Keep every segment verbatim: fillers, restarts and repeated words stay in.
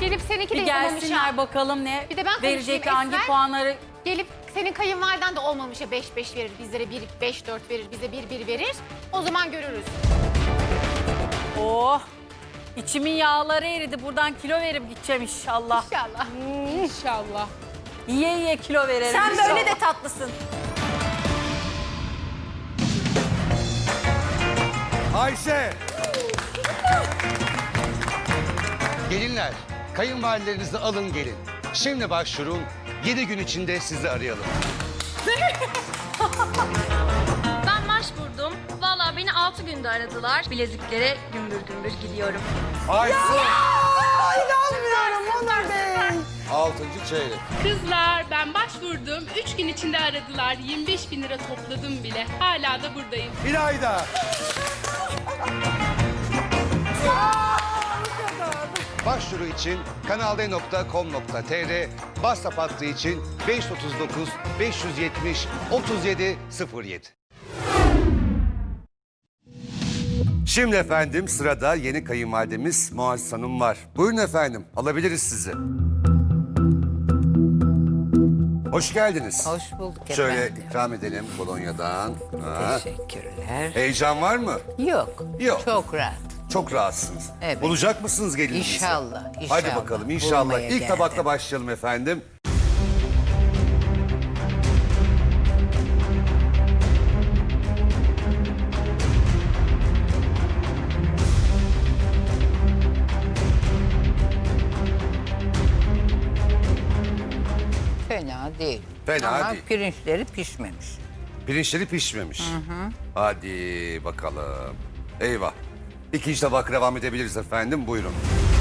Gelip seninki de Bir yapamamış gelsinler ha. bakalım ne Bir de ben verecek, konuşayım, hangi Esmer. puanları. Gelip senin kayınvaliden de olmamış ya beş beş verir, bizlere bir beş dört verir, bize bir bir verir. O zaman görürüz. Oh, içimin yağları eridi. Buradan kilo verip gideceğim inşallah. İnşallah. İnşallah. Yiye yiye kilo verelim Sen inşallah. böyle de tatlısın. Ayşe. Gelinler, kayınvalidelerinizi alın gelin. Şimdi başvurun, yedi gün içinde sizi arayalım. Ben başvurdum. Vallahi beni altı günde aradılar. Bileziklere gümbür gümbür gidiyorum. Ayşe. İnanmıyorum Onur Bey. Altıncı çeyrek. Kızlar ben başvurdum. Üç gün içinde aradılar. yirmi beş bin lira topladım bile. Hala da buradayım. İlayda. Başvuru için kanalde nokta com nokta tr, WhatsApp hattı için beş otuz dokuz beş yüz yetmiş otuz yedi sıfır yedi. Şimdi efendim sırada yeni kayınvalidemiz Muazzez Hanım var. Buyurun efendim, alabiliriz sizi. Hoş geldiniz. Hoş bulduk Şöyle efendim. ikram edelim kolonyadan. Ha. Teşekkürler. Heyecan var mı? Yok. Yok. Çok rahat. Çok rahatsınız. Evet. Bulacak mısınız gelininizi? İnşallah, Hadi inşallah. bakalım inşallah. Bulmaya İlk geldim. tabakla başlayalım efendim. Fena değil. Fena Ama değil. pirinçleri pişmemiş. Pirinçleri pişmemiş. Hadi bakalım. Eyvah. İkinci tabak devam edebiliriz efendim. Buyurun.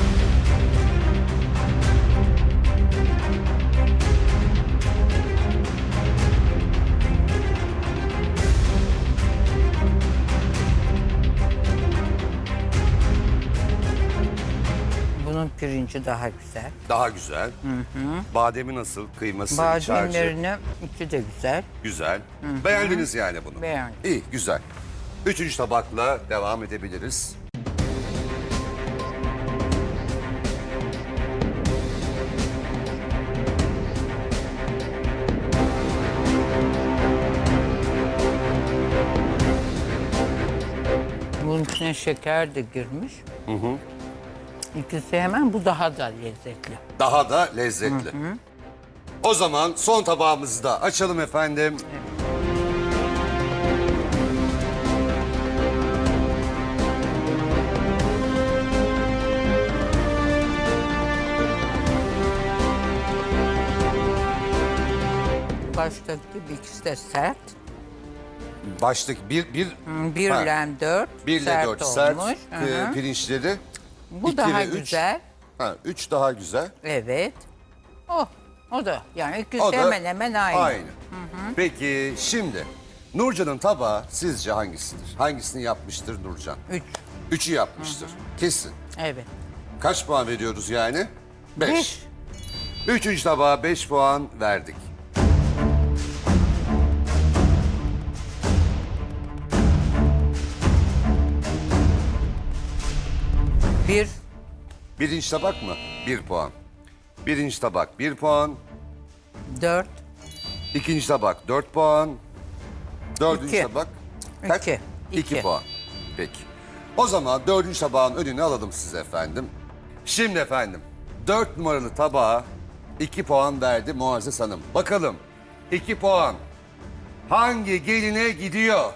Bunun pirinci daha güzel. Daha güzel. Bademi nasıl? Kıyması, iç harcı. Bademlerinin içi de güzel. Güzel. Beğendiniz yani bunu. Beğendim. İyi, güzel. Üçüncü tabakla devam edebiliriz. Bunun içine şeker de girmiş. Hı hı. İkisi hemen, bu daha da lezzetli. Daha da lezzetli. O zaman son tabağımızı da açalım efendim. Baştaki gibi ikisi de sert. Başlık bir, bir, Bir Ha. ile dört bir ile sert dört olmuş. sert Hı e, hı. pirinçleri. Bu iki daha ve üç. güzel. Ha, üç daha güzel. Evet. Oh, o da yani ikisi O da hemen hemen aynı. Aynı. Peki şimdi Nurcan'ın tabağı sizce hangisidir? Hangisini yapmıştır Nurcan? Üç. Üçü yapmıştır. Kesin. Evet. Kaç puan veriyoruz yani? Beş. Beş. Üçüncü tabağa beş puan verdik. Bir. Birinci tabak mı? Bir puan. Birinci tabak bir puan. Dört. İkinci tabak dört puan. Dördüncü İki. tabak kaç? İki. İki İki. puan. Peki. O zaman dördüncü tabağın önüne alalım size efendim. Şimdi efendim dört numaralı tabağa iki puan verdi Muazzez Hanım. Bakalım iki puan hangi geline gidiyor?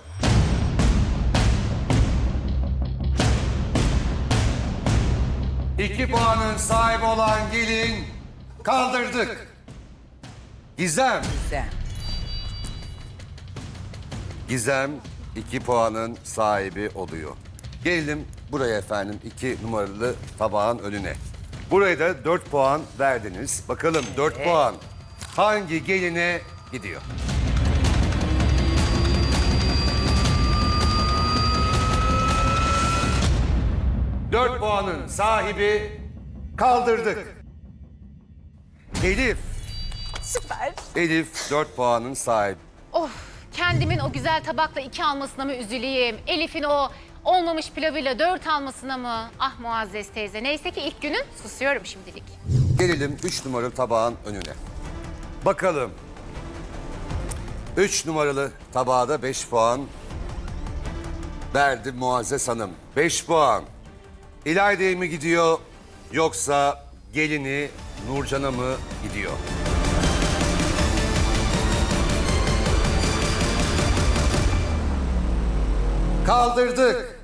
İki puanın sahibi olan gelin kaldırdık. Gizem. Güzel. Gizem iki puanın sahibi oluyor. Gelelim buraya efendim iki numaralı tabağın önüne. Buraya da dört puan verdiniz. Bakalım dört puan hangi geline gidiyor? Dört puanın sahibi kaldırdık. Elif. Süper. Elif dört puanın sahibi. Of, kendimin o güzel tabakla iki almasına mı üzüleyim? Elif'in o olmamış pilavıyla dört almasına mı? Ah Muazzez teyze. Neyse ki ilk günün susuyorum şimdilik. Gelelim üç numaralı tabağın önüne. Bakalım. üç numaralı tabağa da beş puan verdi Muazzez Hanım. beş puan. İlayda'ya mı gidiyor yoksa gelini Nurcan'a mı gidiyor? Kaldırdık.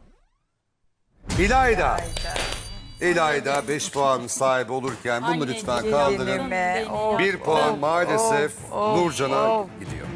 İlayda. İlayda beş puan sahibi olurken bunu Anne, lütfen gelin kaldırın. Be, of, Bir puan maalesef of, Nurcan'a of. gidiyor.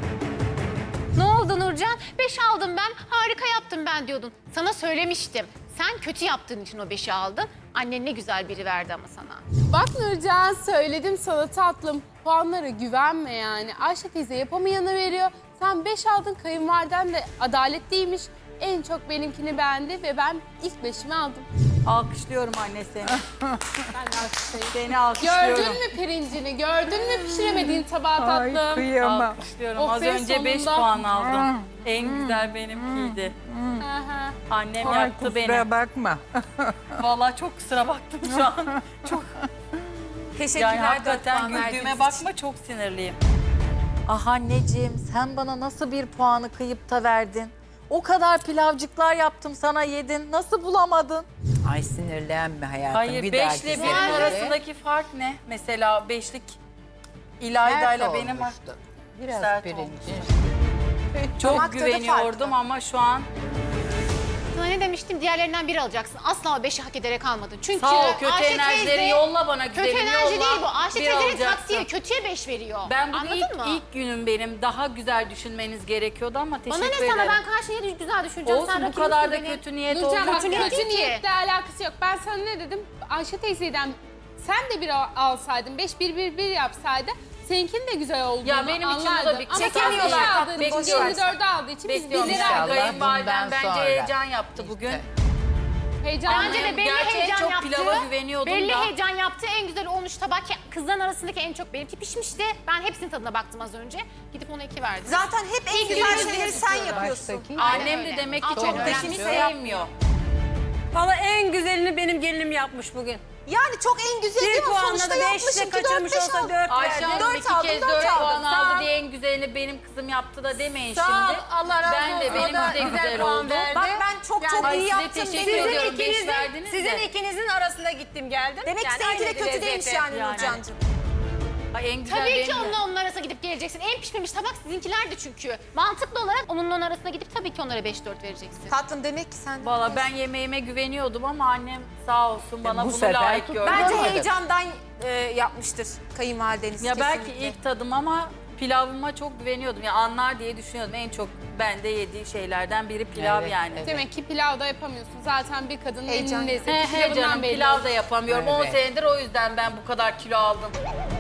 Ne oldu Nurcan? Beş aldım ben. Harika yaptım ben diyordun. Sana söylemiştim. Sen kötü yaptığın için o beşi aldın. Annen ne güzel biri verdi ama sana. Bak Nurcan söyledim sana tatlım. Puanlara güvenme yani. Ayşe teyze yapamayanı veriyor. Sen beş aldın, kayınvaliden de adaletliymiş. En çok benimkini beğendi ve ben ilk beşimi aldım. Alkışlıyorum anne seni. Ben de alkışlayayım. Seni alkışlıyorum. Gördün mü pirincini? Gördün mü pişiremediğin tabağı Ay tatlım? kıyamam. Alkışlıyorum. Of Az be, önce beş sonunda. puan aldım. En güzel benimkiydi. Aha. Annem Ay yaktı beni. kusura bakma. Vallahi çok kusura baktım şu an. Çok Teşekkürler. yani dört hakikaten puan verdiğiniz güldüğüme için. bakma, çok sinirliyim. Ah anneciğim sen bana nasıl bir puanı kıyıp da verdin? O kadar pilavcıklar yaptım sana yedin. Nasıl bulamadın? Ay sinirlenme hayatım. Hayır, bir beşle dahaki benim sefere arasındaki fark ne? Mesela beşlik sert İlayda'yla benim olmuştu. Biraz Sert pirinci. çok Damak tadı güveniyordum farklı. ama şu an Sana ne demiştim? Diğerlerinden biri alacaksın. Asla o beşi hak ederek almadın. Çünkü sağ ol, kötü Ayşe enerjileri teyze- yolla bana Kötü güzelim, enerji yolla. değil bu. Ayşe Bir teyzenin alacaksın. taktiği kötüye beş veriyor. Ben bugün Anladın ilk, mı? ilk günüm benim. Daha güzel düşünmeniz gerekiyordu ama teşekkür Bana ne ederim. sana, ben karşıya ne güzel düşüneceğim. Olsun, Sen bu rakibimsin kadar da benim. kötü niyet Nurcan olmaz. bak Kötü kötü niyet ki. niyetle alakası yok. Ben sana ne dedim? Ayşe teyzeden sen de bir al- alsaydın, beş bir bir bir yapsaydı seninkinin de güzel olduğunu Ya benim için bu da anlardın. bir- Ama sen Çekemiyorlar beş tatlım, aldığın boş için ver. yirmi dörde aldığı için biz Bekliyorum birleri İnşallah aldık. Kayınvalidem bundan bence sonra. heyecan yaptı bugün. Heyecan Bence de belli Gerçi en heyecan çok yaptı. pilava güveniyordum belli da. heyecan yaptı. En güzel olmuş tabak. Kızların arasındaki en çok benimki pişmişti. Ben hepsinin tadına baktım az önce. Gidip ona iki verdim. Zaten hep en İlk güzel günümüzde şeyleri sen yapıyorsun. yapıyorsun. Baştaki- Annem öyle. de demek ki Aferin, çok öyle. peşini sevmiyor. Valla en güzelini benim gelinim yapmış bugün. Yani çok en güzel değil Bir mi? puanla Sonuçta da yapmışım beşle ki dört kaçırmış beş olsa aldım. dört Ayşe verdi. Hanım Dört iki aldım, kez dört dört aldım. puan Sağ aldı ol. diye en güzelini benim kızım yaptı da demeyin Sağ ol, şimdi. Allah razı Ben de olsun. O benim da de güzel güzel puan oldu. verdi. Bak ben çok çok Ay, iyi size yaptım. teşekkür dedim. Sizin ediyorum. Beş ikinizin, verdiniz sizin de. ikinizin arasında gittim geldim. Demek ki Yani seninki de aynı kötü lezzeti. değilmiş yani Yani. Nurcan'cığım. Ay, en güzel Tabii benim ki de. onunla onun arasına gidip geleceksin. En pişmemiş tabak sizinkilerdi çünkü. Mantıklı olarak onunla onun arasına gidip tabii ki onlara beş dört vereceksin. Tatlım demek ki sen de. Valla ben yemeğime güveniyordum ama annem sağ olsun bana bu bunu sefer layık tut- gördü. Bence Olmadı. heyecandan e, yapmıştır kayınvalideniz Ya belki kesinlikle. ilk tadım ama pilavıma çok güveniyordum. Ya anlar diye düşünüyordum. En çok bende yediği şeylerden biri pilav Evet, yani. evet. Demek ki pilav da yapamıyorsun. Zaten bir kadının Heyecan. elinin He lezzeti he pilavından canım belli. pilav da yapamıyorum. on Evet. senedir o yüzden ben bu kadar kilo aldım.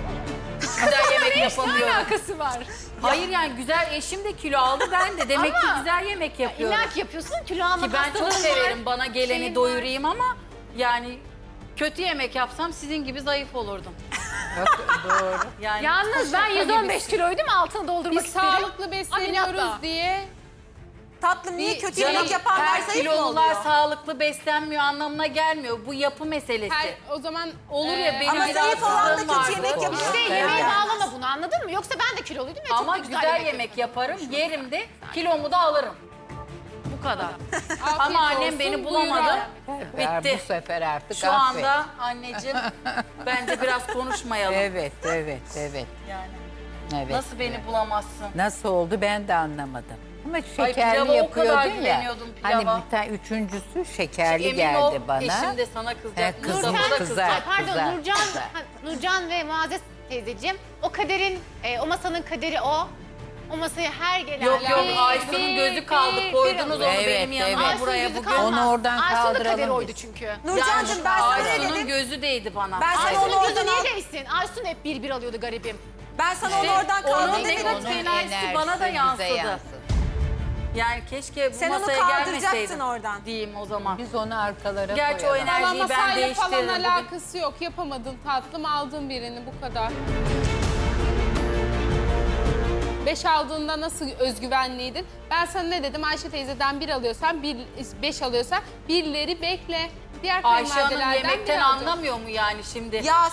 Güzel yemek yapamıyorum. Alakası var. Hayır yani güzel eşim de kilo aldı ben de. Demek ki Ama güzel yemek yapıyorum. İlla ki yapıyorsun. Kilo alma Ki ben çok hastalığın var, severim bana geleni şeyin doyurayım ama yani kötü yemek yapsam sizin gibi zayıf olurdum. Yok, doğru. Yani Yalnız ben yüz on beş gibisin. kiloydum, altını doldurmak Biz isterim. sağlıklı besleniyoruz Ameliyatta. diye. Tatlım niye Bir- kötü Canım, yemek yapanlar her zayıf mı kilolular oluyor? sağlıklı beslenmiyor anlamına gelmiyor. Bu yapı meselesi. Her, o zaman Olur ya e, benim Ama bir zayıf olan da rahatsızlığım kötü vardı. yemek yapıyor. İşte Evet. yemeğe bağlama bunu, anladın mı? Yoksa ben de kiloluydum ve Ama çok da güzel, güzel, yemek yaparım, yerim de kilomu da alırım. Bu kadar. afiyet Ama annem olsun, beni buyur bulamadı. al. Ver, Bitti. bu sefer artık Şu affet. anda anneciğim bence biraz konuşmayalım. Evet, evet, evet. Yani evet. nasıl beni bulamazsın? Nasıl oldu ben de anlamadım. Ama pilava şekerli o kadar yapıyordun ya. güveniyordum Hani pilava. bir tane üçüncüsü şekerli Emin geldi ol, bana. eşim de sana He, kızacak. kızım, Mustafa da kızar. kızacak. Ay, pardon Güzel, Nurcan, güzel. ha, Nurcan ve Muazzez teyzeciğim. O kaderin, e, o masanın kaderi o. O masaya her gelen... Yok yok bir- Aysun'un bir- gözü kaldı. bir- Koydunuz onu Evet, benim yanıma evet. Aysun'un buraya gözü bugün. kalmaz. Onu oradan Aysun'un da kaldıralım kaderi biz. oydu çünkü. Nurcan'cığım ben sana ne Aysun'un dedim? gözü değdi bana. Ben sana onu Aysun'un gözü oradan al. niye değsin? Aysun hep bir bir alıyordu garibim. Ben sana onu oradan onun kaldır ne- demedim. Onun enerjisi bana da bize yansıdı. yansıdı. Yani keşke bu Sen onu masaya kaldıracaktın gelmeseydim oradan. diyeyim o zaman. Biz onu arkalara Gerçi o koyalım. enerji- Valla Enerjiyi ben masayla falan değiştiririm bugün. alakası yok. Yapamadın tatlım, aldın birini bu kadar. beş aldığında nasıl özgüvenliydin? Ben sana ne dedim? Ayşe teyzeden bir alıyorsan, bir, beş alıyorsan birleri bekle. Diğer Ayşe Hanım kayınvalidelerden bir yemekten alacağım. anlamıyor mu yani şimdi? Ya